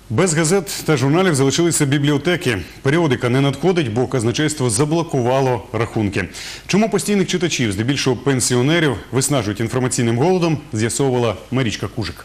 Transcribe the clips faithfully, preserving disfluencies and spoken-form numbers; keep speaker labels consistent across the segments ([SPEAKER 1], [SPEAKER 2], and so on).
[SPEAKER 1] Без газет та журналів залишилися бібліотеки. Періодика не надходить, бо казначейство заблокувало рахунки. Чому постійних читачів, здебільшого пенсіонерів, виснажують інформаційним голодом, з'ясовувала Марічка Кужик.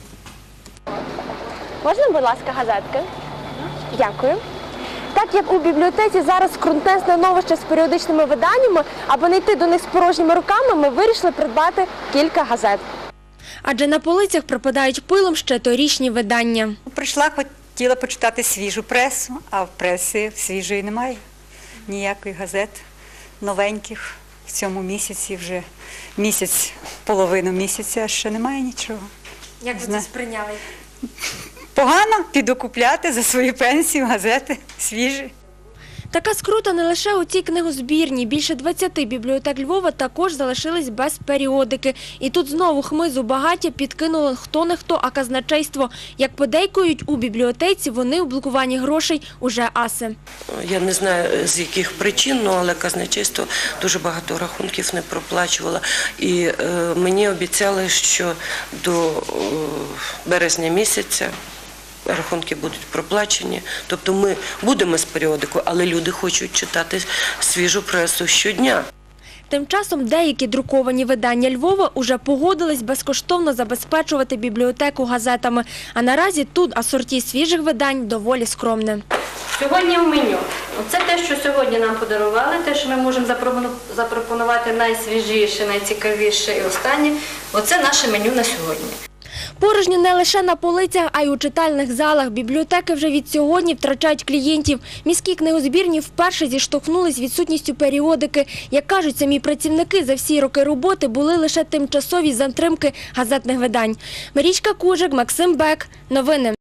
[SPEAKER 2] Можна, будь ласка, газетки? Дякую. Так як у бібліотеці зараз крутне становище з періодичними виданнями, аби не йти до них з порожніми руками, ми вирішили придбати кілька газет. Адже на полицях пропадають пилом ще торічні видання.
[SPEAKER 3] Прийшла, хотіла почитати свіжу пресу, а в пресі свіжої немає. Ніякої газет новеньких в цьому місяці, вже місяць, половину місяця, ще немає нічого.
[SPEAKER 2] Як ви це сприйняли?
[SPEAKER 3] Погано, піду купляти за свою пенсію газети свіжі.
[SPEAKER 2] Така скрута не лише у цій книгозбірні. Більше двадцяти бібліотек Львова також залишились без періодики. І тут знову хмизу багаття підкинуло хто не хто, а казначейство. Як подейкують у бібліотеці, вони у блокуванні грошей уже аси.
[SPEAKER 4] Я не знаю, з яких причин, але казначейство дуже багато рахунків не проплачувало. І е, мені обіцяли, що до е, березня місяця рахунки будуть проплачені. Тобто ми будемо з періодикою, але люди хочуть читати свіжу пресу щодня.
[SPEAKER 2] Тим часом деякі друковані видання Львова уже погодились безкоштовно забезпечувати бібліотеку газетами. А наразі тут асорті свіжих видань доволі скромне.
[SPEAKER 5] Сьогодні в меню. Це те, що сьогодні нам подарували, те, що ми можемо запропонувати найсвіжіше, найцікавіше і останнє. Оце наше меню на сьогодні.
[SPEAKER 2] Порожньо не лише на полицях, а й у читальних залах. Бібліотеки вже від сьогодні втрачають клієнтів. Міські книгозбірні вперше зіштовхнулись з відсутністю періодики. Як кажуть самі працівники, за всі роки роботи були лише тимчасові затримки газетних видань. Марічка Кужик, Максим Бек. Новини.